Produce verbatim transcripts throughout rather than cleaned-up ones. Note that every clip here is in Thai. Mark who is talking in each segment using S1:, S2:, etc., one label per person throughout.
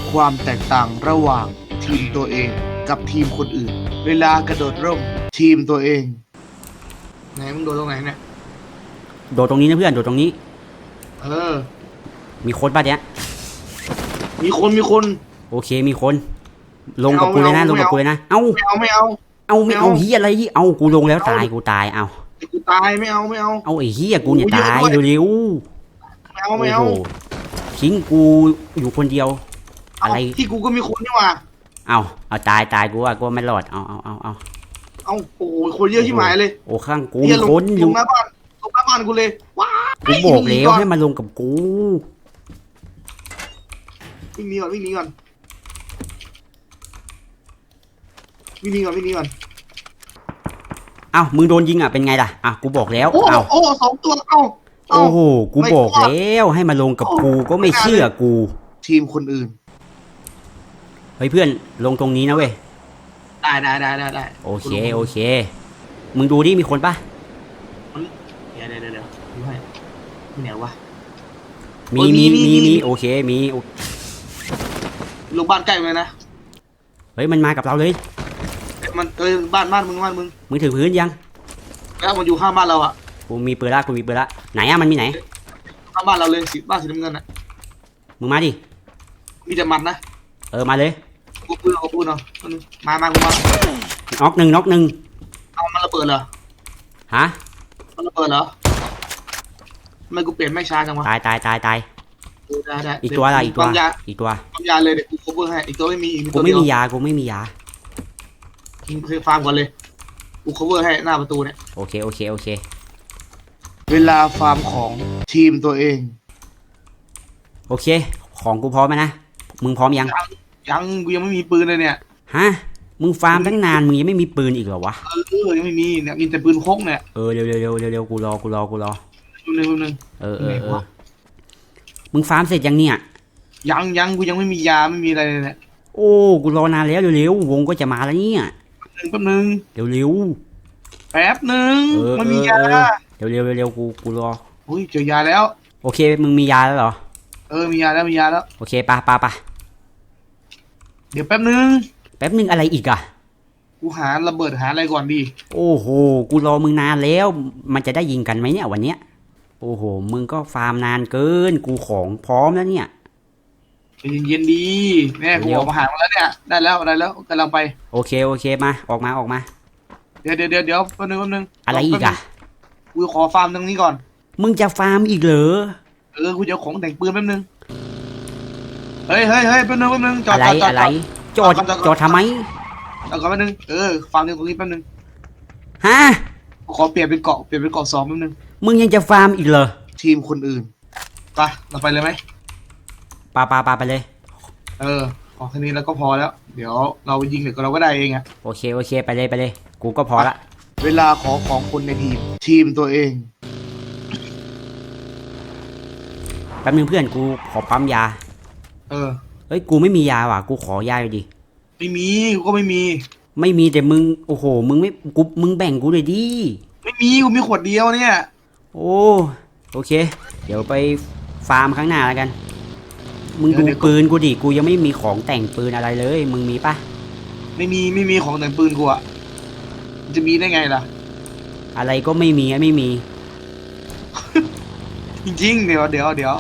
S1: ความแตกต่างระหว่างทีมตัวเองกับทีมคนอื่นเวลากระโดดร่มทีมตัวเองไหนมึงโดดตรงไหนเนี่ย
S2: โดดตรงนี้นะเพื่อนโดดตรงนี้
S1: เออ
S2: มีคนป่ะเนี่ย
S1: มีคนมีคน
S2: โอเคมีคนลงกับกูเลยนะลงกับกูเลยนะเอ้า
S1: ไม่เอาไม่เอา
S2: เอาไม่เอาเฮียอะไรยี่เอากูลงแล้วตายกูตายเอา
S1: กูตายไม่เอาไม่เอา
S2: เอาไอ้เฮียกูเนี่ยตายเร็ว
S1: ๆไม่เอาไม่เอา
S2: ทิ้งกูอยู่คนเดียวอะไร
S1: ที่กูก็มีคนนี่หว่า
S2: เอาเอาตายตายกูว่ากูไม่รอดเอาเอาเอาเอา
S1: เอาโอ้ยคนเยอะที่หมายเลย
S2: โอ้ข้างกูมีคนอยู่
S1: ลงหน้าบ้านลงหน้าบ้านกูเลยว้า
S2: กูบอกแล้วให้มาลงกับกู
S1: วิ่งหนีก่อนวิ่งหนีก่อนวิ่งหนีก่อนวิ่งหนีก่อน
S2: เอ้ามึงโดนยิงอ่ะเป็นไงล่ะอ่ะกูบอกแล้ว
S1: เอ้าโอ้สองตัวเอ้า
S2: โอ้โหกูบอกแล้วให้มาลงกับกูก็ไม่เชื่อกู
S1: ทีมคนอื่น
S2: เฮ้ยเพื่อนลงตรงนี้นะเว้ย
S1: ได้ได้ได้ได้ได้
S2: โอเคโอเคมึงดูดิมีคนปะ
S1: เดี๋ยวเดี๋ยวเดี๋ยวดูให้ที่ไหนวะ
S2: มีมีมีมีโอเคมี
S1: ลงบ้านใกล้เลยนะ
S2: เฮ้ยมันมากับเราเลย
S1: มันเออบ้านบ้านมึงบ้านมึง
S2: มึงถึงพื้นยัง
S1: แล้วมันอยู่ข้างบ้านเราอ่ะ
S2: กูมีปืนละกูมีปืนละไหนอะมันมีไหน
S1: ข้างบ้านเราเลยสีบ้านสีน้ำเงินอ่ะ
S2: มึงมาดิ
S1: มีแต่มัดนะ
S2: เออมาเลย
S1: กูปืนเอาปืนเอามามากูมา
S2: น็อกหนึ่งน็อกหนึ่ง
S1: เอามันระเบิดเหรอ
S2: ฮะ
S1: มันระเบิดเหรอทำไมกูเปลี่ยนไม่ช้าจังวะ
S2: ตายตายตายตาย
S1: ได้ได้
S2: อีกตัวอะไรอีกตัวอีกตัว
S1: ปั๊มยาเลยเดี๋ยวกู cover ให้อีกตัวไม่มี
S2: กูไม่มียากูไม่มียา
S1: ทิ้งเคยฟาร์มก่อนเลยกู cover ให้หน้าประตูเนี่ย
S2: โอเคโอเคโอเค
S1: เวลาฟาร์มของทีมตัวเอง
S2: โอเคของกูพร้อมไหมนะมึงพร้อมยัง
S1: ยังกูยังไม่มีปืนเลยเนี่ย
S2: ฮะมึงฟาร์มตั้งนานมึงยังไม่มีปืนอีกเหรอวะ
S1: เออยังไม่มีเนี่ยมีแต่ปืนพกเนี่ย
S2: เออเร็วเร็วเร็วเร็วเร็วกูรอกูรอกูรอ
S1: เร็วเร็ว
S2: เออเออเออมึงฟาร์มเสร็จยังเนี่ย
S1: ยังยังกูยังไม่มียาไม่มีอะไรเลยเนี่ย
S2: โอ้กูรอนานแล้วเร็วเร็ววงก็จะมาแล้วเนี่ย
S1: แป๊บนึง
S2: เร็วเร็ว
S1: แป๊บนึงมันมียา
S2: เร็วเร็วเร็วกูกูรอ
S1: อุ้ยเจอยาแล้ว
S2: โอเคมึงมียาแล้วเหรอ
S1: เออมียาแล้วมียาแล้ว
S2: โอเคปะปะปะ
S1: เดี๋ยวแป๊บนึง
S2: แป๊บนึงอะไรอีกอะ
S1: กูหาระเบิดหาอะไรก่อนดี
S2: โอ้โหกูรอมึงนานแล้วมันจะได้ยิงกันไหมเนี่ยวันเนี้ยโอ้โหมึงก็ฟาร์มนานเกินกูของพร้อมแล้วเนี่ย
S1: เย็นๆดีแม่กูออกมาหามาแล้วเนี่ยได้แล้วได้แล้วกำลังไป
S2: โอเคโอเคมาออกมาออกมา
S1: เดี๋ยวเดี๋ยวเดี๋ยวเดี๋ยวแป๊บนึงแป๊บนึง
S2: อะไรอีกอะ
S1: กูขอฟาร์มตรงนี้ก่อน
S2: มึงจะฟาร์มอีกเหรอ
S1: เออกูจะของแต่งปืนแป๊บนึงเฮ้ยเฮ้ยเฮ้ยแป๊บนึงแป๊บนึง
S2: จอดจอดจอดจอดจอดทำไม
S1: เอาก่อนแป๊บนึงเออฟาร์มตรงนี้แป๊บนึง
S2: ฮะ
S1: ขอเปลี่ยนเป็นเกาะเปลี่ยนเป็นเกาะสองแป๊บนึง
S2: มึงยังจะฟาร์มอีกเหรอ
S1: ทีมคนอื่นไปเราไปเลยไหม
S2: ปาปาปาไปเลย
S1: เออขอแค่นี้แล้วก็พอแล้วเดี๋ยวเรายิงเดี๋ยวเราก็ได้เองอะ
S2: โอเคโอเคไปเลยไปเลยกูก็พอละ
S1: เวลาขอของคนในทีมทีมตัวเอง
S2: แป๊บนึงเพื่อนกูขอปั๊มยา
S1: เออ
S2: เฮ้ยกูไม่มียาว่ะกูขอยาหน่อยดิ
S1: ไม่มีกูก็ไม่มี
S2: ไม่มีแต่มึงโอ้โหมึงไม่กูมึงแบ่งกูเลยดิ
S1: ไม่มีกูมีขวดเดียวเนี่ย
S2: โอ้โอเคเดี๋ยวไปฟาร์มข้างหน้าแล้วกันมึงดูปืนกูดิกูยังไม่มีของแต่งปืนอะไรเลยมึงมีปะ
S1: ไม่มีไม่มีของแต่งปืนกูอะจะมีได้ไงล่ะ
S2: อะไรก็ไม่มีไม่มี
S1: จริงๆเดี๋ยวเดี๋ยวเดี๋ยว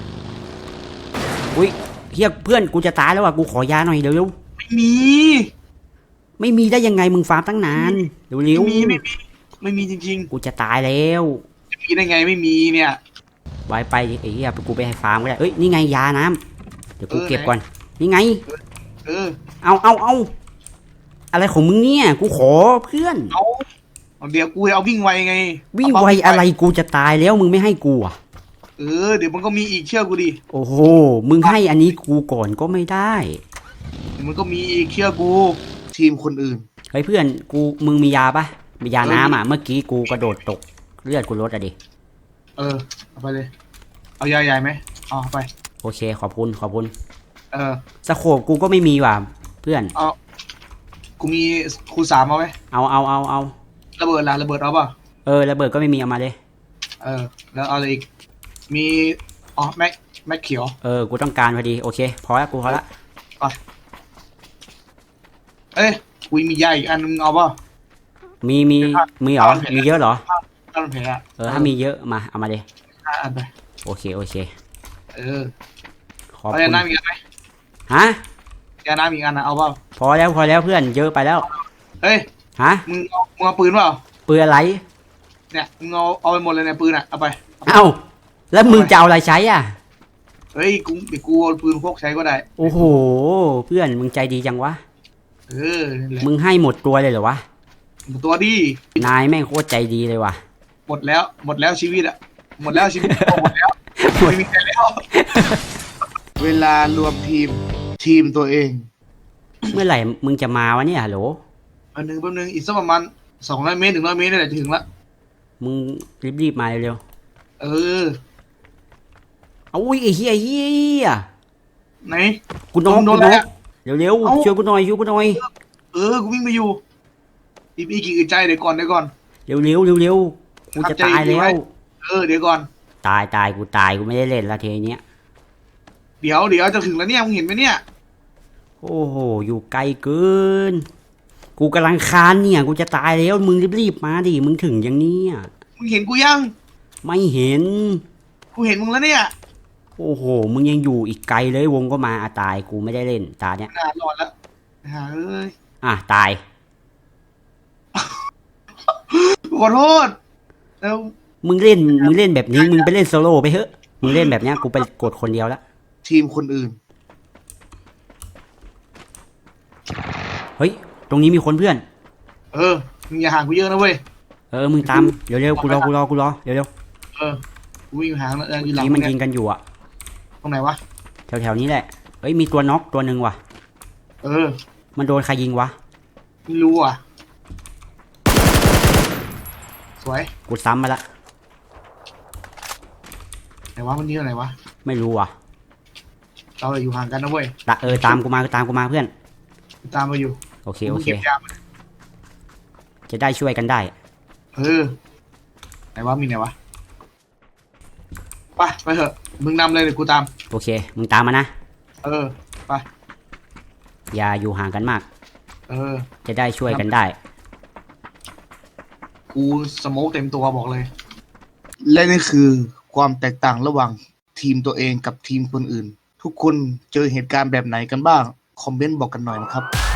S2: อุ้ยเฮียเพื่อนกูจะตายแล้วว่ะกูขอยาหน่อยเร็ว
S1: ๆไม่มี
S2: ไม่มีได้ยังไงมึงฟาร์มตั้งนานเร็วเร็ว
S1: ไม่มีไม่มีไม่มีจริง
S2: ๆกูจะตายแล้ว
S1: จะมีได้ไงไม่มีเนี่ย
S2: ไว้ไปไอ้เหี้ยกูไปให้ฟาร์มก็ได้เอ้ยนี่ไงยาน้ำเดี๋ยวกูเก็บก่อนนี่ไง
S1: เออ
S2: เอาเอาเอาอะไรของมึงเนี่ยกูขอเพื่อน
S1: เอาเดี๋ยวกูเอาวิ่งไวไง
S2: วิ่งไวอะไรกูจะตายแล้วมึงไม่ให้กูอ่ะ
S1: เออเดี๋ยวมันก็มีอีกเชื่อกูดิ
S2: โอ้โหมึงให้อันนี้กูก่อนก็ไม่ได้
S1: มันก็มีอีกเชื่อกูทีมคนอื่น
S2: เฮ้ยเพื่อนกูมึงมียาปะมียาน้ำอ่ะเมื่อกี้กูกระโดดตกเลือดกูลดอะดิ
S1: เออเอาไปเลยเอายาใหญ่ไหมเอาไป
S2: โอเคขอบคุณขอบคุณ
S1: เออ
S2: สโคปกูก็ไม่มีว่ะเพื่อน
S1: เอากูมีคูณสามเอาไหม
S2: เอาเอาเอาเอา
S1: ระเบิดละระเบิดเอาป่ะ
S2: เออระเบิดก็ไม่มีเอามาเลย
S1: เออแล้วเอาอะไรอีกมีอ๋อแม็กแม็กเขียว
S2: เออกูต้องการพอดีโอเคพอแล้วกูพอละ
S1: ไปเอ้ยกูมียาอีกอันนึงเอาป่ะ
S2: มีมีมีเหรอมีเยอะเหรอ
S1: ถ้ามันแผลอะ
S2: เออถ้ามีเยอะมาเอามาเลย
S1: ห้าอันไป
S2: โอเคโอเค
S1: เออ
S2: ขอบ
S1: เอา
S2: คุ
S1: ยา
S2: ณ
S1: น้ำอีกอันไหม
S2: ฮะ
S1: ยาน้ำอีกอันนะเอาเปล่า
S2: พอแล้วพอแล้วเพื่อนเยอะไปแล้ว
S1: เฮ้ย
S2: ฮะ
S1: มึงเอามึงเอาปืนเปล่า
S2: ปืนอะไร
S1: เนี่ยมึงเอาเอาไปหมดเลยเนี่ยปืนอ่ะเอาไป
S2: เอ้าแล้วมึงจะเอาอะไรใช้อ่ะ
S1: เฮ้ยกูเดี๋ยวกูเอาปืนพกใช้ก็ได้
S2: โอ้โหเพื่อนมึงใจดีจังวะ
S1: เออนั่นแหละ
S2: มึงให้หมดตัวเลยเหรอวะ
S1: ตัวดี
S2: นายแม่งโคตรใจดีเลยว่ะ
S1: หมดแล้วหมดแล้วชีวิตอ่ะหมดแล้วชีวิตหมดแล้วไม่มีใครแล้ว เวลารวมทีมทีมตัวเอง
S2: เมื่อไหร่มึงจะมาวะเนี่ยฮัลโหล
S1: อันหนึ่งแป๊บนึงอีกสักประมาณสองร้อยเมตรถึงร้อยเมตรนี่แหละจะถึงละ
S2: มึงรีบๆมาเร็ว
S1: เออ
S2: ๆเอาอุ้ยไอ้เหี้ยเหี้ย
S1: ไหน
S2: กูน้อง
S1: โด
S2: กู
S1: น
S2: น้
S1: แล้
S2: อง
S1: ว
S2: เร็ว
S1: เอ้า
S2: ๆช่วยกูหน่อยช่วยกูหน่อย
S1: เออกูวิ่งไปอยู่อีพีกี่อึดใจเดี๋ยวก่อนเดี๋ยวก่อน
S2: เร็วๆเร็วๆกูจะตายแล้ว
S1: เออเดี๋ยวก่อน
S2: ตายตายกูตายกูไม่ได้เล่นละทีเนี้ย
S1: เดี๋ยวเดี๋ยวจะถึงแล้วเนี่ยมึงเห็นไหมเนี่ย
S2: โอ้โหอยู่ไกลเกิน กูกำลังคานเนี่ยกูจะตายแล้วมึงรีบๆมาดิมึงถึงอย่างเนี้ย
S1: มึงเห็นกูยัง
S2: ไม่เห็น
S1: กูเห็นมึงแล้วเนี่ย
S2: โอ้โหมึงยังอยู่อีกไกลเลยวงก็มาอะตายกูไม่ได้เล่นตาเนี้ย
S1: น่ารอดแล้วหาเอ้ย
S2: อ่ะตาย
S1: ขอโทษแล้ว
S2: มึงเล่นมึงเล่นแบบนี้มึงไปเล่นโซโล่ไปเถอะมึงเล่นแบบเนี้ยกูไปกดคนเดียวละ
S1: ทีมคนอื่น
S2: เฮ้ยตรงนี้มีคนเพื่อน
S1: เออมึงอย่าห่างกูเยอะนะเว้ย
S2: เออมึงตามเร็วๆกูรอกูรอกูรอเร็ว
S1: เออกูวิ่งห่างแล้วอยู่
S2: ๆ
S1: หลัง
S2: นี้มัน
S1: เย
S2: ยิงกันอยู่อะ
S1: ตรงไหนวะ
S2: แถวๆนี้แหละเอ้ยมีตัวน็อกตัวหนึ่งว่ะ
S1: เออ
S2: มันโดนใครยิงวะ
S1: ไม่รู้อ่ะสวย
S2: กูซ้ำมาละ
S1: ไหนวะมันนี่ไหนวะ
S2: ไม่รู้ว่ะ
S1: เราเลยอยู่ห่างกันนะเว้ย
S2: ตะเออตามกูมาตามกูมาเพื่อน
S1: กูตามมาอยู่
S2: โอเคโอ
S1: มึง
S2: เค
S1: เก็บยามา
S2: จะได้ช่วยกันได้
S1: เออไหนวะมีไหนวะไปไปเถอะมึงนำเลยเดี๋ยวกูตาม
S2: โอเคมึงตามมานะ
S1: เออไป
S2: อย่าอยู่ห่างกันมาก
S1: เออ
S2: จะได้ช่วยกันได้
S1: กูสโมกเต็มตัวบอกเลย และนี่คือความแตกต่างระหว่างทีมตัวเองกับทีมคนอื่น ทุกคนเจอเหตุการณ์แบบไหนกันบ้าง คอมเมนต์บอกกันหน่อยนะครับ